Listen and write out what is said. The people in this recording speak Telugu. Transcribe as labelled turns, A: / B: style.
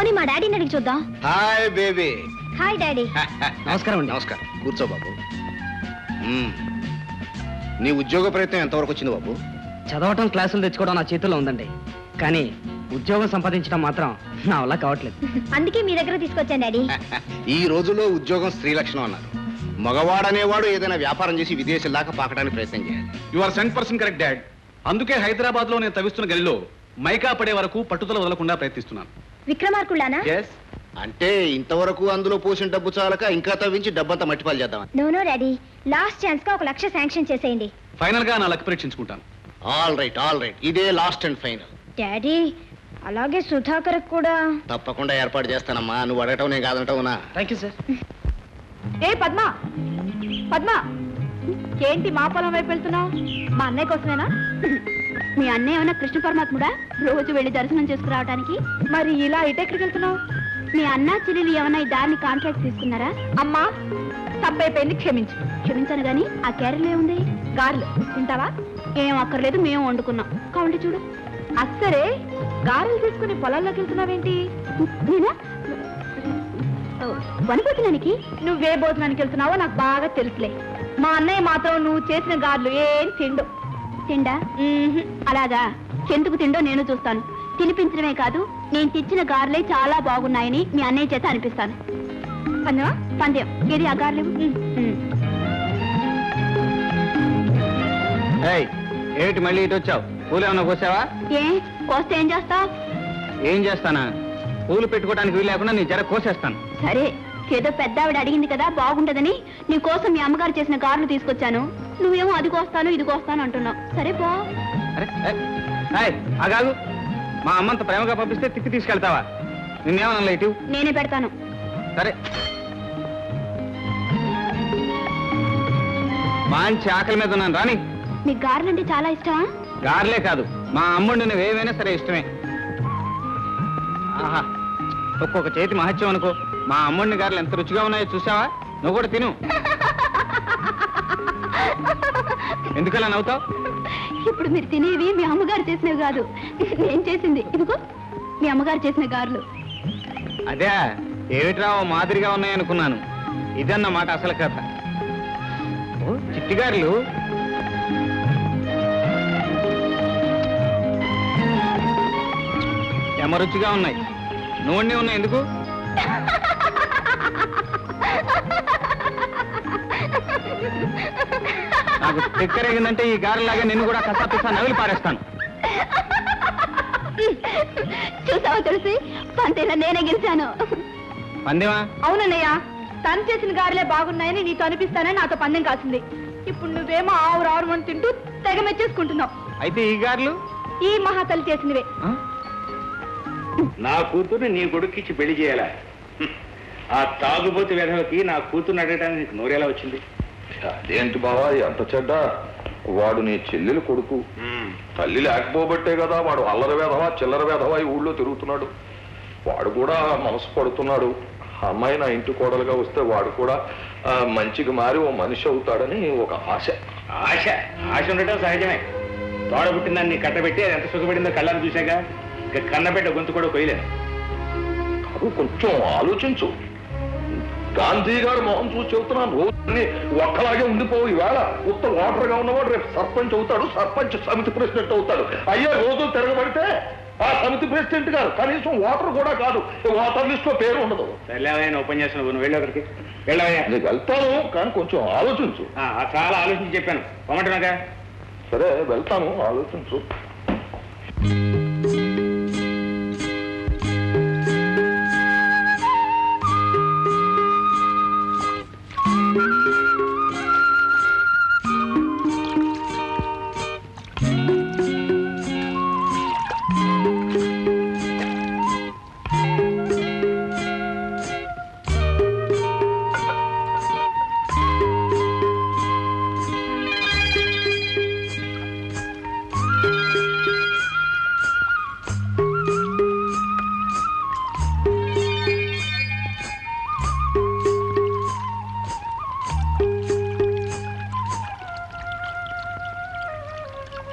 A: పోనీ మా డాడీని అడిగి చూద్దాం.
B: Hi baby.
A: Hi daddy.
C: నమస్కారం అండి.
B: నమస్కారం. కూర్చో బాబు. నీ ఉద్యోగ ప్రయత్నం ఎంతవరకు వచ్చింది బాబు?
C: చదవటం, క్లాసులు తెచ్చుకోవడం నా చేతుల్లో ఉందండి. కానీ ఉద్యోగం సంపాదించడం మాత్రం నా వల్ల కావట్లేదు.
A: అందుకే మీ దగ్గర తీసుకొచ్చాను డాడీ.
B: ఈ రోజులో ఉద్యోగం స్త్రీ లక్షణం అన్నారు. మగవాడనేవాడు ఏదైనా వ్యాపారం చేసి విదేశాల దాకా పాకడానికి ప్రయత్నం చేయాలి.
D: You are 100% correct dad. అందుకే హైదరాబాద్ లో నేను తవ్విస్తున్న గనిలో మైకా పడే వరకు పట్టుదల వదలకుండా ప్రయత్నిస్తున్నాను.
A: విక్రమార్కుళ్ళానా?
B: అంటే ఇంతవరకు అందులో పోసిన డబ్బు చాలక ఇంకా తవ్వించి డబ్బంతా మట్టిపాలు చేద్దాం.
A: నో డాడీ, లాస్ట్ ఛాన్స్ గా 1 లక్ష శాంక్షన్ చేసేయండి.
D: ఫైనల్ గా నా లక్ పరీక్షించుకుంటాను.
B: ఆల్ రైట్ ఇదే లాస్ట్ అండ్ ఫైనల్.
A: డాడీ, అలాగే సుధాకర్ కూడా
B: తప్పకుండా ఏర్పాటు చేస్తానమ్మా. నువ్వు అడగటం నేను కాదంటావునా?
C: Thank you sir.
E: ఏ పద్మ, పద్మ, ఏంటి మా పొలం వైపు వెళ్తున్నావు? మా అన్నయ్య కోసమేనా?
A: మీ అన్నయ్య ఏమన్నా కృష్ణ పరమాత్ముడా రోజు వెళ్ళి దర్శనం చేసుకురావడానికి?
E: మరి ఇలా ఇటెక్కడికి వెళ్తున్నావు?
A: మీ అన్న చెల్లెలు ఏమన్నా ఈ దారిని కాంట్రాక్ట్ తీసుకున్నారా?
E: అమ్మా, తప్పైపోయింది, క్షమించు.
A: క్షమించాను గాని ఆ క్యారెల్ ఏముంది?
E: గారెలు తింటావా?
A: ఏం అక్కర్లేదు, మేము వండుకున్నాం. కావండి చూడు.
E: అస్సరే, గారెలు తీసుకుని పొలాల్లోకి వెళ్తున్నావేంటి?
A: నేనా వనిపోతున్నానికి?
E: నువ్వే భోజనానికి వెళ్తున్నావో నాకు బాగా తెలుసులే. మా అన్నయ్య మాత్రం నువ్వు చేసిన గారెలు ఏం తిండు.
A: తిండా? అలాగా, ఎందుకు తిండో నేను చూస్తాను. తినిపించడమే కాదు, నేను తెచ్చిన గారెలే చాలా బాగున్నాయని మీ అన్నయ్య చేత అనిపిస్తాను.
E: పందెమా?
A: పందెం. ఏది ఆ గారెలు?
C: ఏమిటి మళ్ళీ ఇటు వచ్చావు? పూలు ఏమన్నా కోసావా?
A: ఏ కోస్తే ఏం చేస్తావు?
C: ఏం చేస్తానా? పూలు పెట్టుకోవడానికి వీలు లేకుండా నీ జర కోసేస్తాను.
A: సరే, ఏదో పెద్ద ఆవిడ అడిగింది కదా బాగుంటదని నీ కోసం మీ అమ్మగారు చేసిన గారెలు తీసుకొచ్చాను. నువ్వేమో అది కోస్తాను ఇది కోస్తాను అంటున్నావు. సరే పో.
C: అగాగు, మా అమ్మంత ప్రేమగా పంపిస్తే తిప్పి తీసుకెళ్తావా? నిన్నేమన్నా లేటు?
A: నేనే పెడతాను.
C: సరే, మంచి ఆకలి మీద ఉన్నాను రాని.
A: మీకు గారెలంటే చాలా ఇష్టమా?
C: గారెలే కాదు, మా అమ్ముడు నువ్వు ఏవైనా సరే ఇష్టమే. ఆహా, ఒక్కొక్క చేతి మహత్యం అనుకో. మా అమ్ముడిని గారెలు ఎంత రుచిగా ఉన్నాయో చూసావా? నువ్వు కూడా తిను. ఎందుకలా నవ్వుతావు?
A: ఇప్పుడు మీరు తినేవి మీ అమ్మగారు చేసినవి కాదు, నేను చేసింది. ఇదిగో మీ అమ్మగారు చేసిన గారెలు.
C: అదే ఏమిట్రా మాదిరిగా ఉన్నాయనుకున్నాను. ఇదన్నమాట అసలు కథ. ఓ చిట్టి గారెలు. రుచిగా ఉన్నాయి. నూనె ఉన్నాయి. ఎందుకు? నాకు తిక్కరేగిందంటే ఈ గారెలాగా నిన్ను కూడా కసాపిసా నవిలి పారేస్తాను.
A: చూసావా తులసి, పంతేలా నేనే గెలిచాను.
C: పందెమా?
E: అవునన్నయ్య, తను చేసిన గారెలే బాగున్నాయని నీతో అనిపిస్తానని నాతో పందెం కాసింది. ఇప్పుడు నువ్వేమో ఆవురు అని తింటూ తెగ మెచ్చేసుకుంటున్నావు.
C: అయితే ఈ గారెలు
E: ఈ మహాతల్లి చేసినవే.
F: నా కూతుర్ని నీ కొడుక్కిచ్చి పెళ్లి చేయాలా? ఆ తాగుబోతు వెధవకి నా కూతుర్ని అడగడానికి నోరేలా వచ్చింది?
G: అదేంటి బావా ఎంత చెడ్డ? వాడు నీ చెల్లెలు కొడుకు. తల్లి లేకపోబట్టే కదా వాడు అల్లరి వేధవా చిల్లర వేధవా ఈ ఊళ్ళో తిరుగుతున్నాడు. వాడు కూడా మనసు పడుతున్నాడు. అమ్మాయి నా ఇంటి కోడలుగా వస్తే వాడు కూడా మంచిగా మారి ఓ మనిషి అవుతాడని ఒక ఆశ.
F: ఆశ ఆశ ఉండటం సహజమే. తోడ పుట్టిందాన్ని కట్టబెట్టి అది ఎంత సుఖపడిందో కళ్ళని చూశాక కన్నబెట్ట గొంతు కూడా కొయ్యలేను.
G: కాదు, కొంచెం ఆలోచించు. గాంధీ గారు మొహం చూసి చెబుతున్నాను, రోజుని ఒక్కలాగే ఉండిపోవు. ఈవేళ ఉత్త ఓటర్ గా ఉన్నవాడు రేపు సర్పంచ్ అవుతాడు, సర్పంచ్ సమితి ప్రెసిడెంట్ అవుతాడు. అయ్యే రోజు తిరగబడితే ఆ సమితి ప్రెసిడెంట్ గారు కనీసం ఓటర్ కూడా కాదు, ఓటర్ లిస్ట్ లో పేరు ఉండదు.
F: సర్లేవయ్యా, ఉపన్యాసం నువ్వు వెళ్ళి ఒకరికి వెళ్ళవయ్యా.
G: నీకు వెళ్తాను, కానీ కొంచెం ఆలోచించు.
F: చాలా ఆలోచించి చెప్పాను, పొమ్మంటున్నాగా.
G: సరే వెళ్తాను, ఆలోచించు.